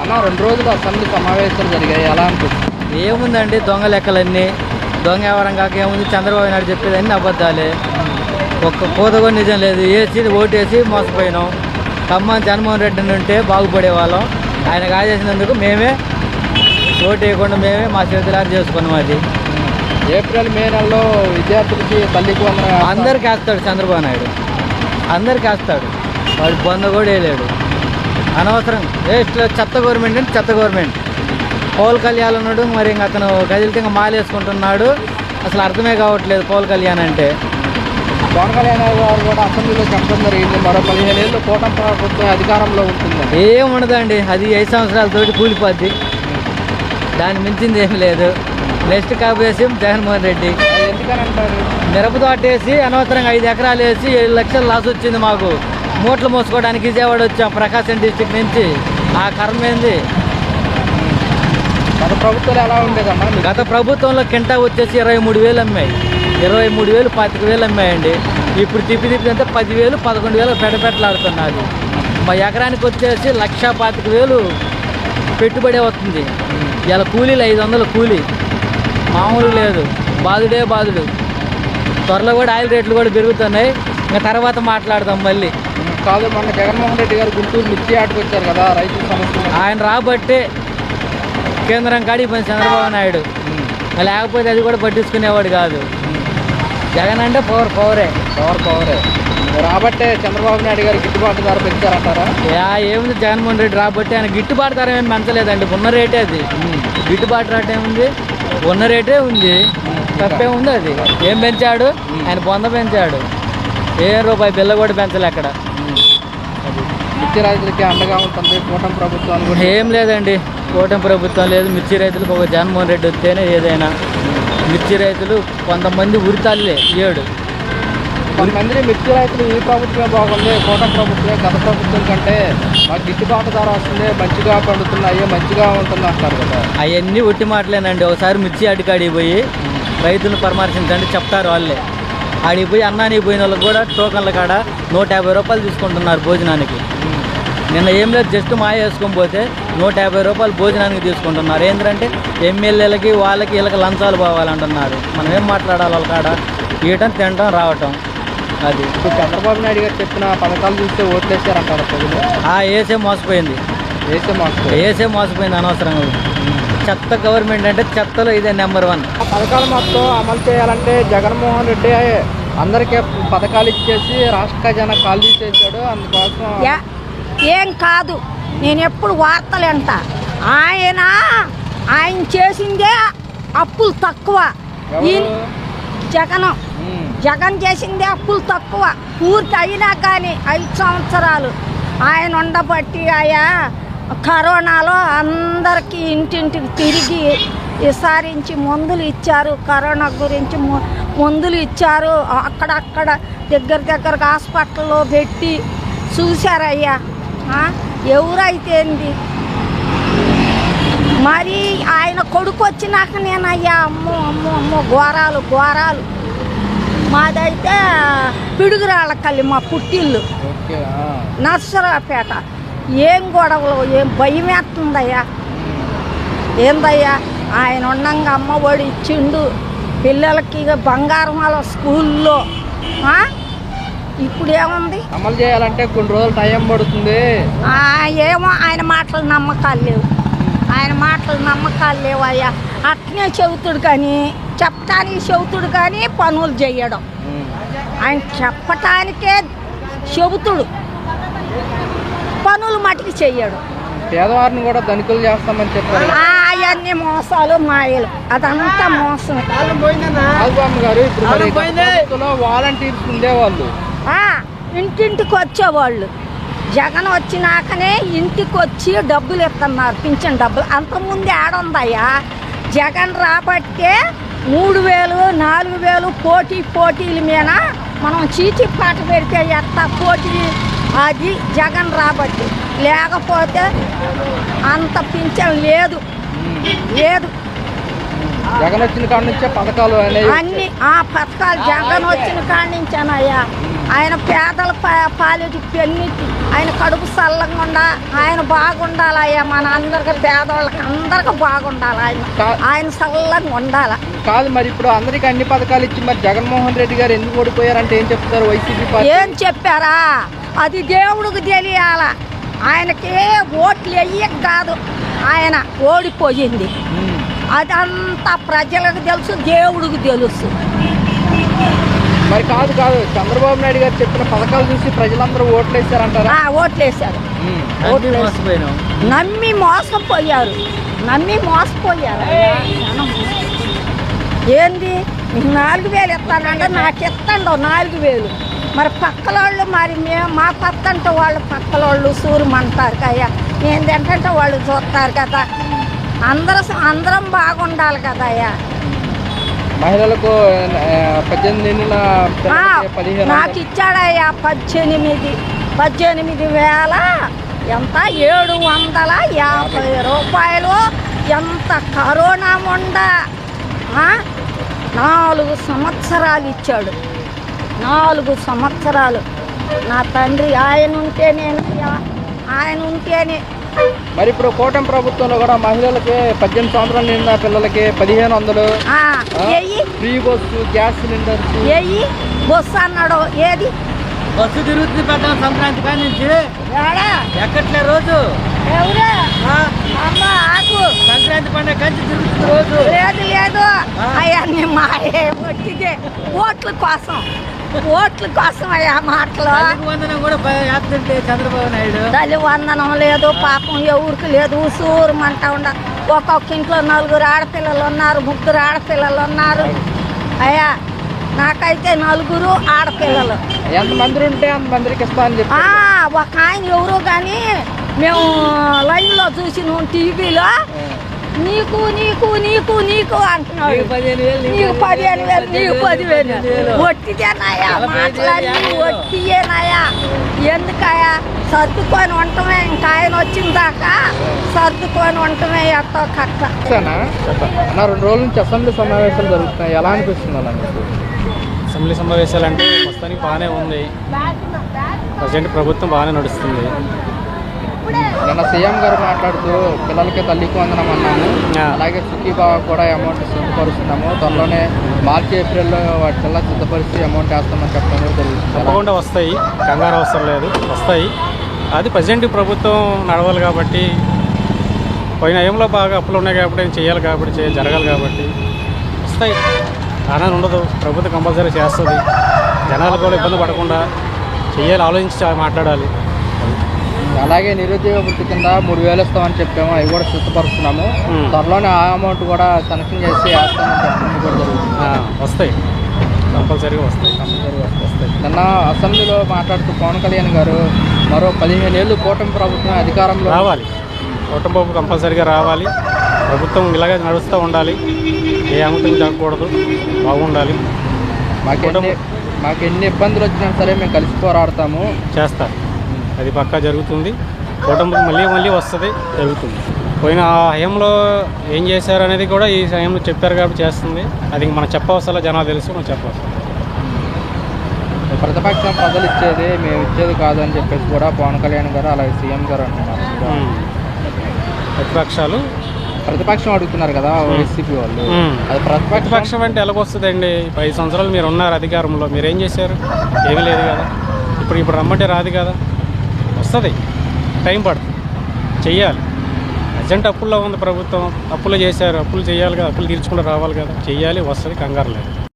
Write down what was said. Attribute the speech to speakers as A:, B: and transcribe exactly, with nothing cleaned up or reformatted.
A: అన్న రెండు రోజులు అసెంబ్లీ సమావేశాలు జరిగాయి, ఎలా అనిపిస్తుంది?
B: ఏముందండి, దొంగ లెక్కలన్నీ దొంగ ఎవరం కాక ఏముంది. చంద్రబాబు నాయుడు చెప్పేదన్నీ అబద్ధాలే, ఒక్క పూత కూడా నిజం లేదు. వేసి ఓటేసి మోసపోయినాం. ఖమ్మం జగన్మోహన్ రెడ్డి ఉంటే బాగుపడేవాళ్ళం. ఆయన కాజేసినందుకు మేమే ఓటు వేయకుండా మేమే మా చేతులారు చేసుకున్నాం. అది
A: ఏప్రిల్ మే నెలలో విద్యార్థులకి తల్లికి వందనం
B: అందరికి వేస్తాడు చంద్రబాబు నాయుడు, అందరికి వేస్తాడు. వాడు బొంద కూడా వేయలేడు. అనవసరం వేస్ట్ చెత్త గవర్నమెంట్ అంటే చెత్త గవర్నమెంట్. పవన్ కళ్యాణ్ ఉన్నాడు, మరి ఇంక అతను కదిలితే ఇంకా మాల వేసుకుంటున్నాడు. అసలు అర్థమే కావట్లేదు పవన్ కళ్యాణ్ అంటే.
A: పవన్ కళ్యాణ్ గారు కూడా అసెంబ్లీలో చెప్పడం జరిగింది, మరో పదిహేను ఏళ్ళు కూటమి ప్రభుత్వం అధికారంలో ఉంటుంది.
B: ఏం ఉండదండి, అది ఐదు సంవత్సరాలతోటి కూలిపోద్ది. దాన్ని మించింది ఏం లేదు. నెక్స్ట్ కాపేసి జగన్మోహన్ రెడ్డి.
A: ఎందుకని అంటారు?
B: మిరప తోట వేసి అనవసరంగా ఐదు ఎకరాలు వేసి ఏడు లక్షలు లాస్ వచ్చింది మాకు. మూటలు మోసుకోవడానికి విజయవాడ వచ్చాం ప్రకాశం డిస్టిక్ నుంచి. ఆ కర్మ ఏంది?
A: గత ప్రభుత్వాలు ఎలా ఉండేదమ్మా?
B: గత ప్రభుత్వంలో కింటా వచ్చేసి ఇరవై మూడు వేలు అమ్మాయి, ఇరవై మూడు వేలు పాతిక వేలు అమ్మాయండి. ఇప్పుడు తిప్పి తిప్పి అంటే పదివేలు పదకొండు వేలు పెడపెట్టలాడుతున్నది. మా ఎకరానికి వచ్చేసి లక్ష పాతిక వేలు పెట్టుబడి వస్తుంది. ఇలా కూలీలు ఐదు వందలు కూలీ, మామూలు లేదు. బాధుడే బాధుడు. త్వరలో కూడా ఆయిల్ రేట్లు కూడా పెరుగుతున్నాయి. ఇంకా తర్వాత మాట్లాడదాం మళ్ళీ.
A: కాదు, మొన్న జగన్మోహన్ రెడ్డి గారు గుంటూరు మిర్చి ఆటకు వచ్చారు కదా, రైతుల సమస్య.
B: ఆయన రాబట్టే కేంద్రం కాడికి పోయింది చంద్రబాబు నాయుడు. లేకపోతే అది కూడా పట్టించుకునేవాడు కాదు. జగన్ అంటే పవర్ పవరే
A: పవర్ పవరే రాబట్టే చంద్రబాబు నాయుడు గారు గిట్టుబాటు ధర పెంచారంటారా?
B: యా ఏముంది, జగన్మోహన్ రెడ్డి రాబట్టి ఆయన గిట్టుబాటు ధర ఏమి పెంచలేదండి. ఉన్న రేటే అది. గిట్టుబాటు రేట్ ఏముంది, ఉన్న రేటే ఉంది. తప్పే ఉంది. అది ఏం పెంచాడు? ఆయన బొంద పెంచాడు. ఏ రూపాయి బిల్ల కూడా పెంచలే అక్కడ.
A: మిర్చి రైతులకి అండగా ఉంటుంది కూటమి ప్రభుత్వం.
B: ఏం లేదండి, కూటమి ప్రభుత్వం లేదు. మిర్చి రైతులకు ఒక జగన్మోహన్ రెడ్డి వస్తేనే ఏదైనా. మిర్చి రైతులు కొంతమంది ఉరితాళ్ళే ఏడు.
A: కొంతమంది మిర్చి రైతులు ఈ ప్రభుత్వమే బాగుంది, కూటమి ప్రభుత్వమే గత ప్రభుత్వం కంటే మాకు గిట్టుబాటు ధర వస్తుంది, మంచిగా పండుతున్నాయి, మంచిగా ఉంటుంది అంటారు కదా.
B: అవన్నీ ఒట్టి మాటలేనండి. ఒకసారి మిర్చి అడికాడికి పోయి రైతులను పరామర్శించండి చెప్తారు వాళ్ళే. ఆడికి పోయి అన్నానికి పోయిన వాళ్ళకి కూడా టోకన్ల కాడ నూట యాభై రూపాయలు తీసుకుంటున్నారు భోజనానికి. నిన్న ఏం లేదు, జస్ట్ మాయ వేసుకొని పోతే నూట యాభై రూపాయలు భోజనానికి తీసుకుంటున్నారు. ఏంటంటే ఎమ్మెల్యేలకి వాళ్ళకి వీళ్ళకి లంచాలు పోవాలంటున్నారు. మనం ఏం మాట్లాడాలి వాళ్ళ కాడ? ఇయటం తినటం రావటం. అది
A: ఇప్పుడు చంద్రబాబు నాయుడు గారు చెప్పిన పథకాలు చూస్తే ఓట్లు వేసారంటారు ప్రజలు.
B: ఆ ఏసే మోసపోయింది,
A: వేసే మోసపోయింది
B: ఏసే మోసపోయింది అనవసరంగా. చెత్త గవర్నమెంట్ అంటే చెత్తలో ఇదే నెంబర్ వన్.
A: పథకాలు మొత్తం అమలు చేయాలంటే జగన్మోహన్ రెడ్డి అందరికీ పథకాలు ఇచ్చేసి రాష్ట్ర ఖజానా ఖాళీ చేశాడు. అందుకోసం
C: ఏం కాదు, నేను ఎప్పుడు వార్తలు అంట. ఆయన ఆయన చేసిందే అప్పులు తక్కువ. జగన్ జగన్ చేసిందే అప్పులు తక్కువ. పూర్తి అయినా కానీ ఐదు సంవత్సరాలు ఆయన ఉండబట్టి ఆయా కరోనాలో అందరికీ ఇంటింటికి తిరిగి విసారించి మందులు ఇచ్చారు. కరోనా గురించి మందులు ఇచ్చారు. అక్కడక్కడ దగ్గర దగ్గరకు హాస్పిటల్లో పెట్టి చూశారయ్యా. ఎవరైతే ఏంది మరి ఆయన కొడుకు వచ్చినాక నేనయ్యా అమ్మో అమ్మో అమ్మో ఘోరాలు ఘోరాలు. మాదైతే పిడుగురాళ్ళకల్లి మా పుట్టిల్లు, నర్సరాపేట. ఏం గొడవలు, ఏం భయం వేస్తుందయ్యా. ఏందయ్యా, ఆయన ఉండంగా అమ్మ ఒడి ఇచ్చిండు పిల్లలకి, బంగారం వాళ్ళ స్కూల్లో. ఇప్పుడు ఏముంది,
A: అమలు చేయాలంటే కొన్ని రోజులు టైం పడుతుంది.
C: ఏమో ఆయన మాటలు నమ్మకాలు లేవు, ఆయన మాటలు నమ్మకాలు లేవు అయ్యా. అట్నే చెబుతుడు కానీ, చెప్పటానికి చెబుతుడు కానీ పనులు చేయడం. ఆయన చెప్పటానికే చెబుతుడు, పనులు మటుకు చెయ్యడు.
A: పేదవారిని కూడా ధనికులు చేస్తామని చెప్పారు.
C: అవన్నీ మోసాలు మాయలు, అదంతా మోసం.
A: గారు ఇప్పుడు వాలంటీర్స్ ఉండేవాళ్ళు,
C: ఇంటింటికి వచ్చేవాళ్ళు. జగన్ వచ్చినాకనే ఇంటికి వచ్చి డబ్బులు ఇస్తున్నారు, పింఛన్ డబ్బులు. అంతకుముందు ఏడుందయ్యా. జగన్ రాబట్టే మూడు వేలు నాలుగు వేలు పోటీ పోటీల మీద మనం చీటీ పాట పెడితే ఎత్త పోటీ. అది జగన్ రాబట్టి, లేకపోతే అంత పింఛన్ లేదు లేదు.
A: జగన్ వచ్చిన కాడ నుంచే పథకాలు
C: అన్ని ఆ పథకాలు జగన్ వచ్చిన కాడ నుంచేనయ్యా. ఆయన పేదల పా- పాలిటి పెన్నిటి ఆయన కడుపు చల్లకుండా ఆయన బాగుండాలి అయ్యా మన అందరికి పేదవాళ్ళకి అందరికి బాగుండాలి ఆయన ఆయన చల్లగా ఉండాలి.
A: కాదు మరి ఇప్పుడు అందరికి అన్ని పథకాలు ఇచ్చి మరి జగన్మోహన్ రెడ్డి గారు ఎందుకు ఓడిపోయారంటే ఏం చెప్తారు వైసీపీ పార్టీ?
C: ఏం చెప్పారా అది దేవుడికి తెలియాల. ఆయనకి ఓట్లు వెయ్యక కాదు ఆయన ఓడిపోయింది.
A: ఉమ్.
C: అదంతా ప్రజలకు తెలుసు, దేవుడికి తెలుసు.
A: మరి కాదు కాదు చంద్రబాబు నాయుడు గారు చెప్పిన పథకాలు చూసి ప్రజలందరూ ఓట్లు వేస్తారంటారా?
C: ఆ, ఓట్లేశారు.
A: ఉమ్.
B: అన్నీ మోసపోయినాం.
C: నమ్మి మోసపోయారు, నమ్మి మోసపోయారు. జనం. ఏంది నీకు నాలుగు వేలు ఇస్తానంటే నాకు ఇస్తాండో నాలుగు వేలు. మరి పక్కలోళ్ళు మరి మేము మా పక్కంటే వాళ్ళు పక్కలోళ్ళు సూరమంటారు కయ్యా, ఏంటంటే వాళ్ళు చూస్తారు కదా. అందరూ అందరం బాగుండాలి కదా అయ్యా.
A: మహిళలకు ఆ, పద్దెనిమిది ఏళ్ళ పిల్లలకి పదిహేను
C: నాకు ఇచ్చాడయ్యా పద్దెనిమిది పద్దెనిమిది వేల ఎంత ఏడు వందల యాభై రూపాయలు. ఎంత కరోనా ఉండ ఆ? నాలుగు సంవత్సరాలు ఇచ్చాడు, నాలుగు సంవత్సరాలు. నా తండ్రి ఆయన ఉంటే నేను ఆయన ఉంటేనే.
A: మరి ఇప్పుడు కూటమి ప్రభుత్వంలో కూడా మహిళలకి పద్దెనిమిది సంవత్సరాల నిండా పిల్లలకి పదిహేను వందలు
C: ఆ,
A: ఆ,
C: ఎయ్యి
A: ఫ్రీ బస్సు గ్యాస్ సిలిండర్స్.
C: ఎయ్యి బొస్సు అన్నాడు. ఏది
B: బస్సు తిరుగుతుంది పెద్ద సంక్రాంతి కాడి నుంచి
C: ఏడా
B: ఎక్కట్లే రోజు.
C: ఎవరు
B: ఆ,
C: అమ్మ ఆకు
B: సంక్రాంతి పండుగ కంచి తిరుగుతుంది రోజు.
C: లేదు లేదు
B: ఆ.
C: అవన్నీ మాయే ఒట్టిదే ఓట్ల కోసం, ఓట్ల కోసం అయ్యా మాటలు.
B: తల్లికి వందనం కూడా యాక్సిడెంట్ చంద్రబాబు నాయుడు.
C: తల్లి వందనం లేదు, పాపం ఎవరికి లేదు. ఉసూరుమంటా ఉండ. ఒక్కొక్క ఇంట్లో నలుగురు ఆడపిల్లలు ఉన్నారు, ముగ్గురు ఆడపిల్లలు ఉన్నారు అయ్యా. నాకైతే నలుగురు ఆడపిల్లలు.
A: ఎంతమంది ఉంటే అంతమందికి ఇస్తా అని చెప్పి
C: ఆ, ఒక ఆయన ఎవరు కానీ మేము లైన్లో చూసి నువ్వు టీవీలో నీకు నీకు నీకు నీకు అంటున్నాడు.
B: నీకు పదిహేను వేలు, నీకు
C: నీకు పదిహేను వేలు, నీకు పదివేలు.
B: వేలు.
C: ఒట్టిదేనాయా
B: నలభై ఐదు వేలు,
C: మాట్లాడి
B: యాభై వేలు.
C: ఒట్టియేనాయా. ఎందుకయా సర్దుకొని ఉండటమే. ఇంకా ఆయన వచ్చిన దాకా సర్దుకొని ఉండటమే ఎట్టో కట్ట.
A: అన్నా అన్న, రెండు రోజుల నుంచి అసెంబ్లీ సమావేశాలు జరుగుతున్నాయి, ఎలా అనిపిస్తుంది అన్న మీకు?
D: అసెంబ్లీ సమావేశాలు అంటే ప్రస్తుతానికి బాగానే ఉంది. ప్రజెంట్ ప్రభుత్వం బాగానే నడుస్తుంది.
A: నిన్న సీఎం గారు మాట్లాడుతూ పిల్లలకి తల్లికి వందనం అన్నాము,
D: ఆ.
A: అలాగే సుఖీబాబా కూడా అమౌంట్ సిద్ధపరుస్తున్నాము, త్వరలోనే మార్చి ఏప్రిల్లో వాటికల్లా సిద్ధపరిచి అమౌంట్ వేస్తామని చెప్పడం కూడా జరుగుతుంది.
D: తప్పకుండా వస్తాయి, కంగారు అవసరం లేదు, వస్తాయి. అది ప్రజెంట్ ప్రభుత్వం నడవాలి కాబట్టి, పోయిన ఏంలో బాగా అప్పులు ఉన్నాయి కాబట్టి ఏం చేయాలి కాబట్టి చేయ జరగాలి కాబట్టి వస్తాయి. ఆనందం ఉండదు, ప్రభుత్వం కంపల్సరీ చేస్తుంది. జనాలు కూడా ఇబ్బంది పడకుండా చేయాలి, ఆలోచించి మాట్లాడాలి.
A: అలాగే నిరుద్యోగ వృత్తి కింద మూడు వేలు ఇస్తామని చెప్పాము, అవి కూడా సిద్ధపరుస్తున్నాము.
D: ఉమ్.
A: త్వరలోనే ఆ అమౌంట్ కూడా శాంక్షన్ చేసి వేస్తామని చెప్పడం కూడా జరుగుతుంది.
D: ఆ, వస్తాయి, కంపల్సరీగా వస్తాయి.
A: కంపల్సరీ వస్తాయి. నిన్న అసెంబ్లీలో మాట్లాడుతూ పవన్ కళ్యాణ్ గారు మరో పదిహేను ఏళ్ళు కూటమి ప్రభుత్వం అధికారంలో
D: రావాలి, కుటుంబం కంపల్సరీగా రావాలి. ప్రభుత్వం ఇలాగే నడుస్తూ ఉండాలి, ఏ అమృతం జరగకూడదు, బాగుండాలి.
A: మాకెన్ని మాకు ఎన్ని ఇబ్బందులు వచ్చినా సరే మేము కలిసి పోరాడతాము.
D: చేస్తారు, అది పక్కా జరుగుతుంది. కుటుంబం మళ్ళీ మళ్ళీ వస్తుంది, జరుగుతుంది. పోయిన ఆ హయంలో ఏం చేశారు అనేది కూడా ఈ హయంలో చెప్పారు కాబట్టి చేస్తుంది. అది ఇంక మనం చెప్పవసరం, జనాలు తెలుసు, మనం చెప్పవసరం.
A: ప్రతిపక్షం ప్రజలు ఇచ్చేది మేము ఇచ్చేది కాదు అని చెప్పేసి కూడా పవన్ కళ్యాణ్ గారు అలాగే సీఎం గారు అంటున్నారు.
D: ఉమ్. ప్రతిపక్షాలు
A: ప్రతిపక్షం అడుగుతున్నారు కదా వైసీపీ వాళ్ళు,
D: ఉమ్.
A: అది ప్రతిపక్షం
D: ప్రతిపక్షం అంటే ఎలాగొస్తుందండి? ఐదు సంవత్సరాలు మీరు ఉన్నారు అధికారంలో, మీరు ఏం చేశారు? ఏమీ లేదు కదా. ఇప్పుడు ఇప్పుడు రమ్మంటే రాదు కదా, వస్తుంది, టైం పడుతుంది, చెయ్యాలి. అర్జెంట్ అప్పుల్లో ఉంది ప్రభుత్వం, అప్పులు చేశారు, అప్పులు చేయాలి కదా, అప్పులు తీర్చుకుంటూ రావాలి కదా, చెయ్యాలి, వస్తుంది, కంగారు లేదు.